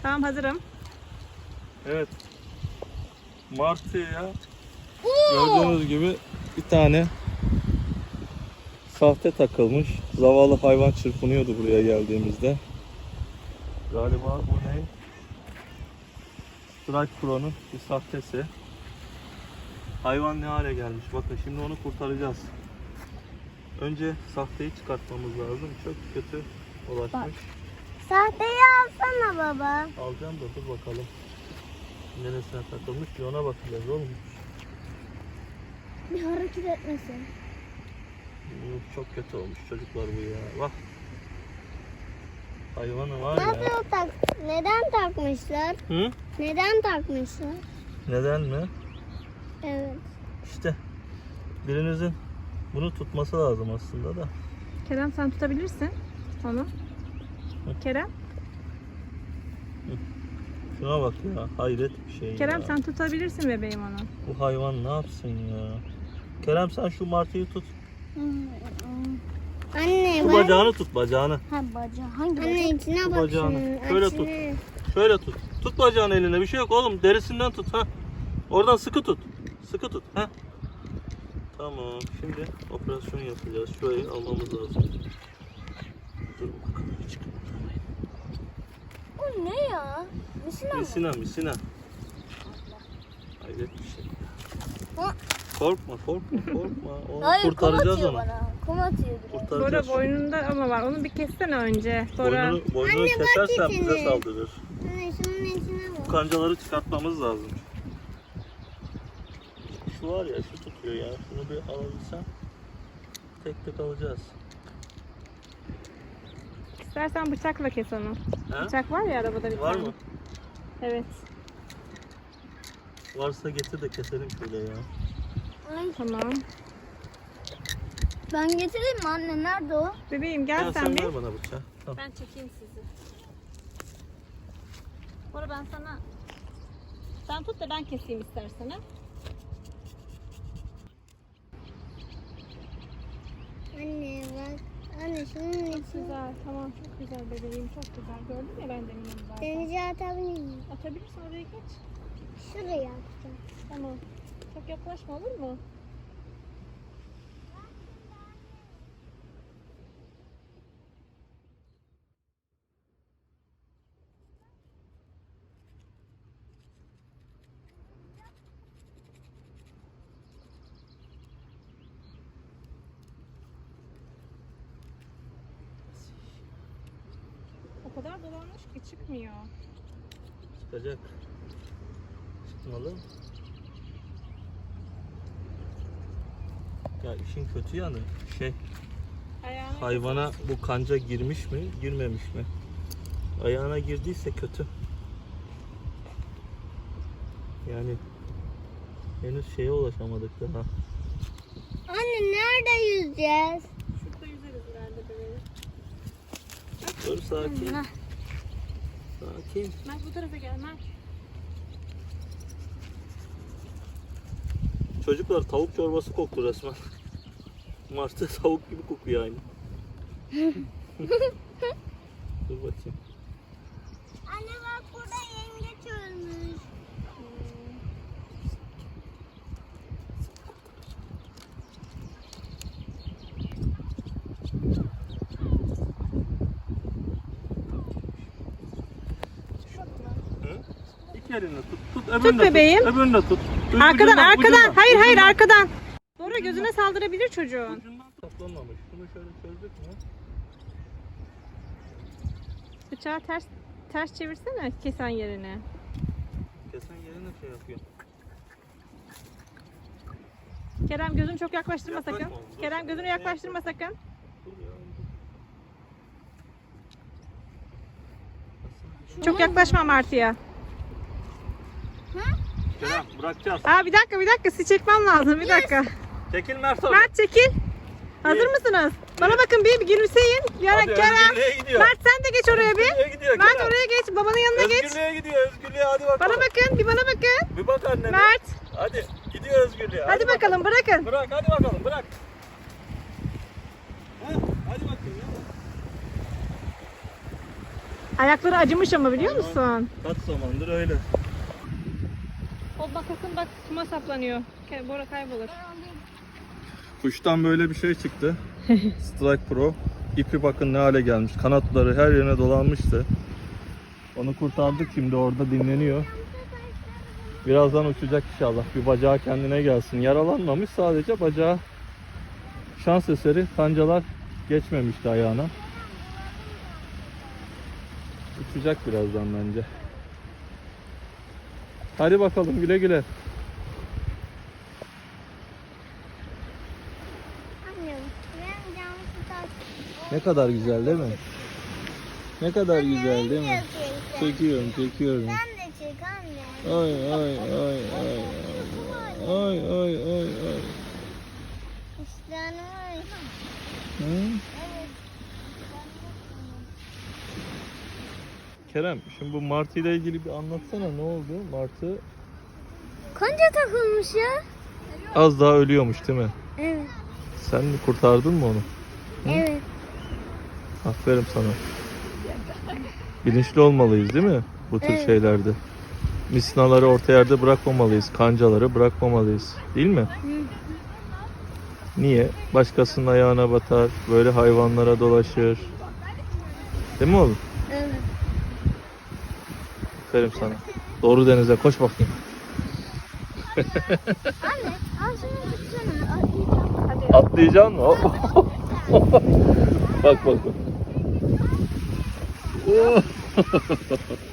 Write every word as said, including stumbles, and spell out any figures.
Tamam, hazırım. Evet. Martıya gördüğünüz gibi bir tane sahte takılmış. Zavallı hayvan çırpınıyordu buraya geldiğimizde. Galiba bu ne? Strike Pro'nun bir sahtesi. Hayvan ne hale gelmiş. Bakın şimdi onu kurtaracağız. Önce sahteyi çıkartmamız lazım. Çok kötü ulaşmış. Bak. Sahteyi alsana baba. Alacağım da dur bakalım. Neresine takılmış ki ona bakacağız oğlum. Bir hareket etmesin. Çok kötü olmuş çocuklar bu ya. Bak. Hayvanı var Ne ya. yapıyor tak? Neden takmışlar? Hı? Neden takmışlar? Neden mi? Evet. İşte birinizin bunu tutması lazım aslında da. Kerem, sen tutabilirsin onu. Kerem. Şuna bak ya, hayret bir şey Kerem, ya. sen tutabilirsin bebeğim onu. Bu hayvan ne yapsın ya? Kerem sen şu martıyı tut. Anne Şu bak. bacağını tut, bacağını. Ha bacağı. Hangi Anne içine Şu bak. bacağını. şunun, Şöyle içine. tut. Şöyle tut. Tut bacağını eline, bir şey yok oğlum. Derisinden tut ha. Oradan sıkı tut. Sıkı tut ha. Tamam. Şimdi operasyon yapacağız. Şurayı almamız lazım. Dur bakalım. Çık. Bu ne ya? Misina mı? Misina, misina. Hayret bir şey. Ha? Korkma, korkma, korkma. Onu Hayır, kurtaracağız kum atıyor onu. bana. Kum atıyor. Kurtaracağız. Bora boynunda ama var. Onu bir kessene önce. Bora. Boynunu, boynunu Anne, bak kesersen bize içine. saldırır. Anne şunun içine Bu bak. kancaları çıkartmamız lazım. Şu var ya, şu tutuyor ya. Şunu bir alabilsem tek tek alacağız. İstersen bıçakla kes onu. Ha? Bıçak var ya arabada bir Var tane. mı? Evet. Varsa getir de keselim şöyle ya. Ay, Tamam. ben getireyim mi anne? Nerede o? Bebeğim gel Ya sen sen bir. ver bana bıçağı. Tamam. Ben çekeyim sizi. Bora, ben sana... Sen tut da ben keseyim istersen ha. Anne bak. Anne şunun Çok içine. güzel, tamam, çok güzel bebeğim, çok güzel. Gördün ya, ben de eminim zaten. Denize atabilir miyim? Atabilirsin, oraya geç. Şuraya atacağım. Tamam. Çok yaklaşma, olur mu? O kadar dolanmış ki çıkmıyor. Çıkacak. Çıkmalı. Ya işin kötü yanı şey, Ayağına hayvana bu kanca girmiş mi, girmemiş mi? Ayağına girdiyse kötü. Yani henüz şeye ulaşamadık daha. Anne nerede yüzeceğiz? Şurada yüzeriz ileride bebeğim. Dur sakin. Heh. Sakin. Mert, bu tarafa gel Mert. Çocuklar tavuk çorbası koktu resmen. Martı tavuk gibi kokuyor aynı. Dur bakayım. Anne bak burada yengeç ölmüş. Hı? İki elini tut. Tut, öbürünü Tut de bebeğim. Tut, öbürünü de tut. Ucundan, Arkadan, arkadan. ucundan, Hayır, hayır, ucundan. arkadan. Bora, gözüne saldırabilir çocuğun. Ucundan saplanmamış. Şunu şöyle çözdük mü? Bıçağı ters ters çevirsene kesen yerine. Kesen yerine şey yapıyor. Kerem, gözünü çok yaklaştırma Yaklaşma sakın. oğlum, dur. Kerem, gözünü yaklaştırma sakın. Dur ya. Çok yaklaşma Martı'ya. Kerem bırakacağız. Aa, bir dakika, bir dakika. Sizi çekmem lazım. Bir dakika. Çekil Mert orada. Mert, çekil. Hazır Bir. mısınız? Bana bakın, bir, bir gülümseyin. Yara, Hadi Kerem. Özgürlüğe gidiyor. Mert, sen de geç oraya bir. Özgürlüğe gidiyor Mert, Kerem. oraya geç. Babanın yanına geç. Özgürlüğe gidiyor. Özgürlüğe hadi bakalım. Bana bakın, bir bana bakın. Bir bak annene. Mert. Hadi gidiyor özgürlüğe. Hadi bakalım, bırakın. Bırak hadi bakalım bırak. Heh, hadi bakayım ya. Ayakları acımış ama biliyor musun? Kaç zamandır öyle. O bakasın bak kuma saplanıyor. Bora kaybolur. Kuştan böyle bir şey çıktı. Strike Pro. İpi bakın ne hale gelmiş. Kanatları her yerine dolanmıştı. Onu kurtardık, şimdi orada dinleniyor. Birazdan uçacak inşallah. Bir bacağı kendine gelsin. Yaralanmamış, sadece bacağı şans eseri kancalar geçmemişti ayağına. Uçacak birazdan bence. Hadi bakalım, güle güle. Annem ben camı tutar. Ne kadar güzel değil mi? Ne kadar güzel değil mi? Çek. Çekiyorum, çekiyorum. Sen de çek anne. Ay ay ay ay ay ay ay ay. İşte anne. Hı? Evet. Kerem, şimdi bu martı ile ilgili bir anlatsana, ne oldu? Martı Kanca takılmış ya. az daha ölüyormuş değil mi? Evet. Sen mi kurtardın mı onu? Evet. Aferin sana. Bilinçli olmalıyız değil mi bu tür Evet. şeylerde? Misinaları orta yerde bırakmamalıyız. Kancaları bırakmamalıyız. Değil mi? Niye? Başkasının ayağına batar. Böyle hayvanlara dolaşır. Değil mi oğlum? Evet. Aferin sana. Doğru denize koş bakayım. Anne al şunu tutsana. Hadi. Atlayacaksın mı? bak bak bak.